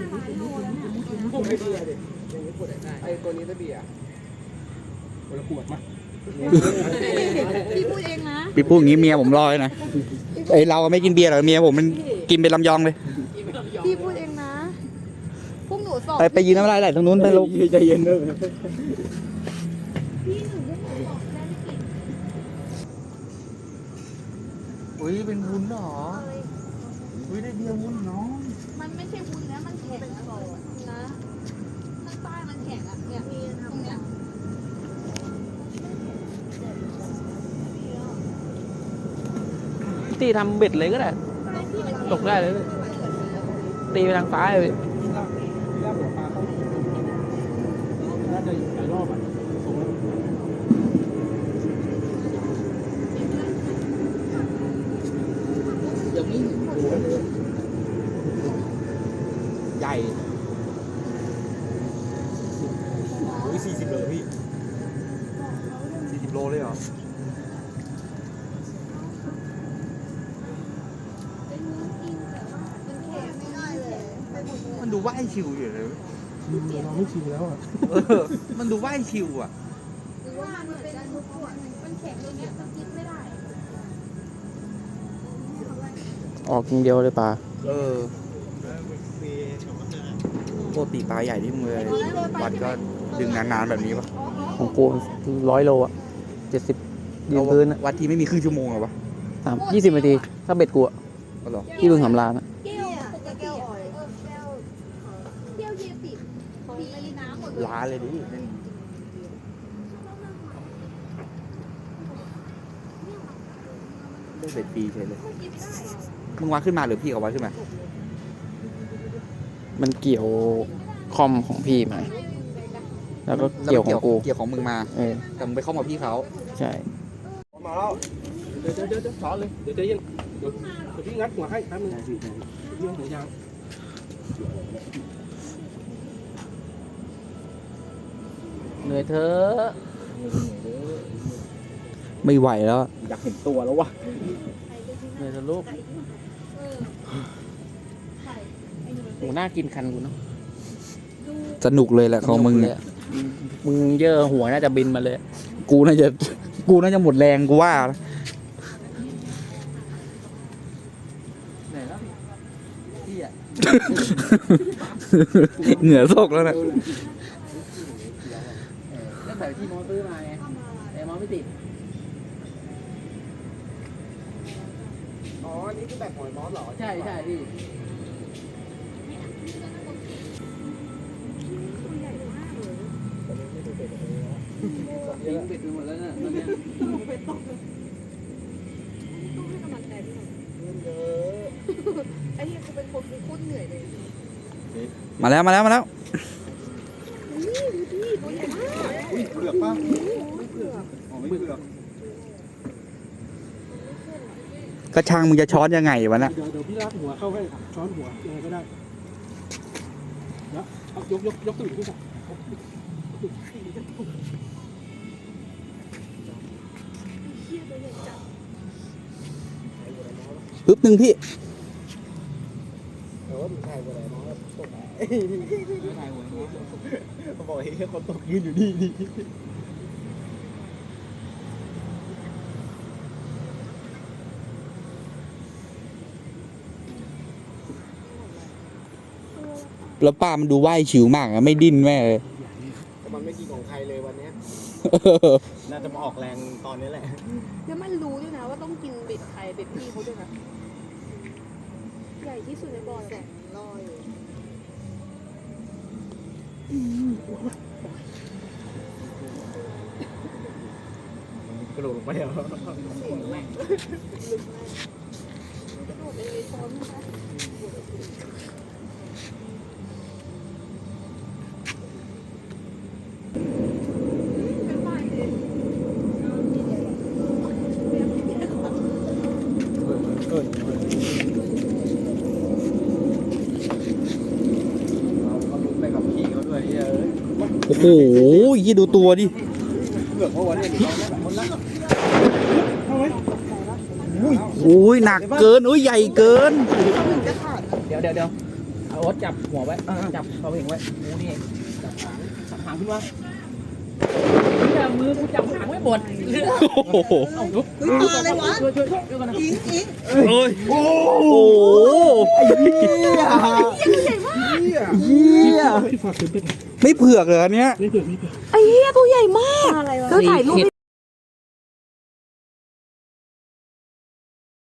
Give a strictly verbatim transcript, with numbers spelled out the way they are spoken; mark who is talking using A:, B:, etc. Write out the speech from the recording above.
A: พวกไอเบียร์ดิอย่างนี้ปวดได้ไอตัวนี้จะเบียร์คนละขวดมั้ย
B: พี่พูดเองนะ
C: พี่พูดอย่างนี้เมียผมรอเลยนะไอเราไม่กินเบียร์หรอกเมียผมมันกินเป็นลำยองเลย
B: พี่พูดเองนะพวกหนูสอบ
C: ไปไปยืนน้ำลายไหลตรงนู้นไปลูก
A: ใจเย็นเด้ออุ้ยเป็นวุ้นหรออุ้ยได้เบียร์วุ้นน้อง
B: มันไม่ใช่วุ้นนะมันแข็งนะนะข้างใต้มันแข็งอ่ะเนี่ยตรงเนี้ย
D: ตีทำเบ็ดเลยก็ได้ตกได้เลยตีไปทางฟ้าเลย
A: น่าจะหลายรอบอ่ะยังไม่ใหญ่โอ้ยสี่สิบโลพี่สี่สิบโลเลยเหรอ
C: มันดูว่ายชิวอยู่เลย
A: เราไม่ชิวแล้วอ่ะ
C: มันดูว่ายชิวอ่ะ
B: หรือว่ามันเป็นทุกขวดมันแข็งตรงเนี้ยมันกินไม่ได้
D: ออกอย่างเดียวเลยป่า
C: เออปกติปลาใหญ่ที่มึงเลยวัดก็ดึงนานๆแบบนี้ปะ
D: ของกูร้อยโลอ่ะเจ็ดสิบยืนพื้น
C: วัดทีไม่มีครึ่งชั่วโมงหรอวะ
D: สามยี่สิบนาทีถ้าเบ็ดกูอ่ะที่บึงสำราญอ่ะ
B: แก้วปกติอ่อยแก้วแก้วเยติมีน้ำหมด
C: ล้าเลยดิได้เบ็ดปีเฉยเลยมึงวัดขึ้นมาหรือพี่เขาวัดขึ้นมา
D: มันเกี่ยวคอมของพี่มาแล้วก็เกี่ยวของกู
C: เกี่ยวของมึงมา
D: เออ
C: แต่มึงไปเข้ามาพี่เขา
D: ใช่
A: มาแล้วเดี๋ยวเดี๋ยวเดี๋ยวสอนเลยเดี๋ยวใจเย็นเดี๋ยวเดี๋ยวพี่งัดหัวให้แป๊บนึงเรื่องหัวยาง
D: เหนื่อยเธอ
C: ไม่ไหวแล้ว
A: อยากเห็นตัวแล้ววะ
D: เหนื่อยเธอลูกโหน่ากินคันกูเนาะ
C: สนุกเลยแหละของมึงเนี่ย
D: มึงเยอะหัวน่าจะบินมาเลย
C: กูน่าจะกูน่าจะหมดแรงกูว่าเหงื่อโซกแล้วนะ
D: ก็แบบที่มอซื้อมาไงแต่มอไม่ติด
A: อ๋อนี่คือแบบหอยมอสเหรอ
D: ใช่ใช่พี่ยิงเป็ดไปหมดแล้วเนี่ยตอนนี้เป็ดตก
B: ต้องให้กำลังใจพี่หน่อยไอ้เนี่ยกูเป็นคนโคตรเหนื่อยเลย
C: มาแล้วมาแล้วมาแล้ว
A: อุ้ยเปลือกป่ะไม่เปลือกอ๋อไม่เปลือก
C: กระชังมึงจะช้อนยังไงวะน่ะ
A: เดี๋ยวเดี๋ยวพี่ลากหัวเข้าให้ช้อนหัวยังไงก็ได้แล้วเอายกยกยกตัวอีกทีก่อน
C: ปึ๊บหนึ่งพี่
A: เออมึงถ่ายหัวไหนน้องตกไหนถ่ายหัวน้องเขาบอกให้คนตกยืนอยู่นี่นี่
C: แล้วป้ามันดูว่ายชิวมากอะไม่ดิ้นแม่เลย
A: แต่มันไม่กินของใครเลยวันนี้น่าจะมาออกแรงตอนนี้แหละ
B: แล้วมันรู้ด้วยนะว่าต้องกินเบ็ดใครเบ็ดพี่เขาด้วยนะใหญ่ที่สุดในบ่อแสนลอย
A: กระโดดลงไปเหรอแม่งก
B: ระโดดเองเลยซ้อนนะคะ
C: โอ้โหยี่ดูตัวดิโอ้ยหนักเกินโอ้ยใหญ่เกิน
D: เดี๋ยวเดี๋ยวเดี๋ยวเอโอ๊ตจับหัวไว้จับเขาเองไว้กูนี่จับหางจับหางขึ้นมาเนี่ยมือกูจับหางไว้หมด
C: โอ้โห
D: เอาลุก
E: เฮ้ยมาอะไรวะ
D: ช่วยช่วยช่วยช่วยกันนะ
E: อิงอิง
C: โอ้ยโอ้โห
A: พี่ฝากซื้อเป็น
C: ไม่เผือกเลยอันเนี้ย
A: ไม่เกิดไม่เกิด
B: ไอ้เหี้ยตัวใหญ่มาก
E: อะไรวะ
B: เธอถ่ายรูปให้